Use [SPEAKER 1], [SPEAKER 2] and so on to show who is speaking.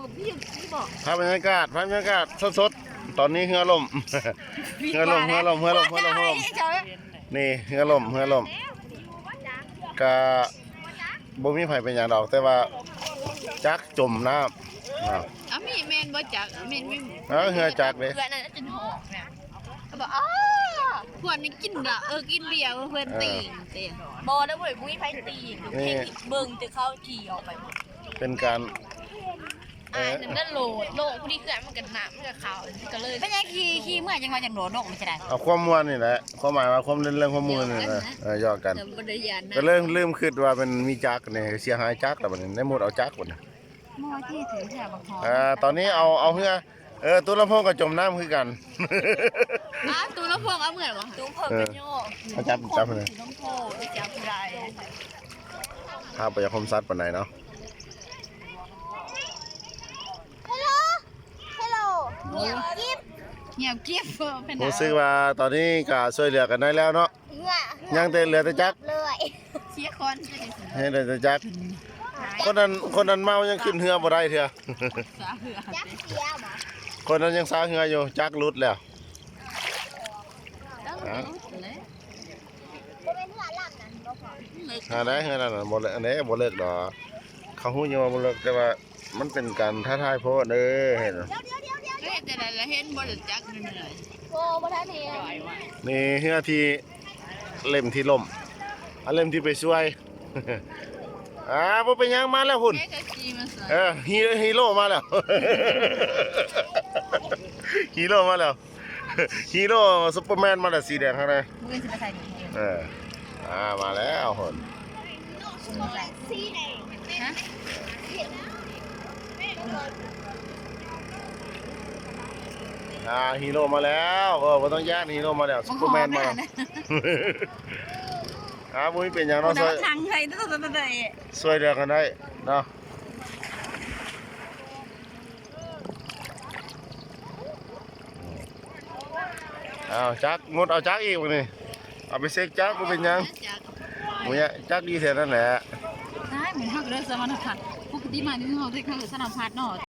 [SPEAKER 1] กับพี่บอก
[SPEAKER 2] ภาพบรรยากาศสดๆตอนนี้เฮือล่มเฮือล่มนี่เฮือล่มก็บ่มีไผเป็นหยังดอกแต่ว่าจักจมน้ำ
[SPEAKER 1] มีเมนบ่จักเมนไม่
[SPEAKER 2] เฮือจักเด้
[SPEAKER 1] เพื่อนนั่นจะหอกเนี่ยเขาบอกเพื่อนนี่กินละกินเบียร์เพื่อนตีเตี้ยบอแล้วเว้ยมุ้ยไผตีเพลงเบิ่งจะเข้าขี่ออกไป
[SPEAKER 2] เป็นการ
[SPEAKER 1] นั่นโหลดผู้ที่เกิดมันกันหนามันกับขาวก็เลยเป็นยังขี่เมื่อยังมาจากโหลดนกไม่ใช่ได้
[SPEAKER 2] เอาความม่วนนี่แหละความหมายว่าความเรื่องความม่วนนี่นะย่อกันก็เริ่มคิดว่ามันมีจักนี่เสียหายจักแล้วบัดนี้ได้หมดเอาจักบัดนี้
[SPEAKER 1] มอที่ถือแถวบางทอง
[SPEAKER 2] ตอนนี้เอาเฮือตัวลำโพงก็จมน้ำคือกัน
[SPEAKER 1] ตัวลำโพงเอาเหมือนวะตัวเพิ่งเป็นโย่
[SPEAKER 2] จับเลย
[SPEAKER 1] น้องโพไปจับไร
[SPEAKER 2] ภาพไปยังคมซัดปานไหนเนาะ
[SPEAKER 1] เงียบกิ๊บ
[SPEAKER 2] รู้สึกว่าตอนนี้ก็ช่วยเหลือกันได้แล้วเนาะยังแต่เหลือแต่จัก
[SPEAKER 1] เชียคน
[SPEAKER 2] ให้เหลือแต่จักคนนั้นเมายังขึ้นเรือบ่ได้เถอะคนนั้นยังสาเรืออยู่จักรุดแล้วได้เฮือนั่นบ่เลิกอันนี้บ่เลิกดอกเขาฮู้อยู่ว่าบ่เลิกแต่ว่ามันเป็นการท้าทายโพดเด้อเห็น
[SPEAKER 1] แต่ละเห็นบ่ได้จักเหนื่อยโอ้บ่ทันเห็น
[SPEAKER 2] นี่เฮือที่เล่มที่ล่มเล่มที่ไปช่วยบ่เป็นหยังมาแล้วหุ่นฮีโร่มาแล้วฮีโร่มาแล้วฮีโร่ซุปเปอร์แมนมาแล้วสีแดงข้างในมาแล้วหุ่นฮีโร่มาแล้วบ่ต้องแย่งฮีโร่มาแล้วซุปเปอร์แมนมาบุ้ยเป็นอย่างน้อย
[SPEAKER 1] ทางไทย
[SPEAKER 2] ช่วยเหลือกันได้เนาะจักงดเอาจักอีกวันนี้เอาไปเซ็กจักก็เป็นยังมุ้ยจักดีแท้นั่นแหละ
[SPEAKER 1] ใช่เหมือนเขาเริ่มสมรรถพัฒน์ปกติมาที่เขาได้เข้าสนามพัฒน์เนาะ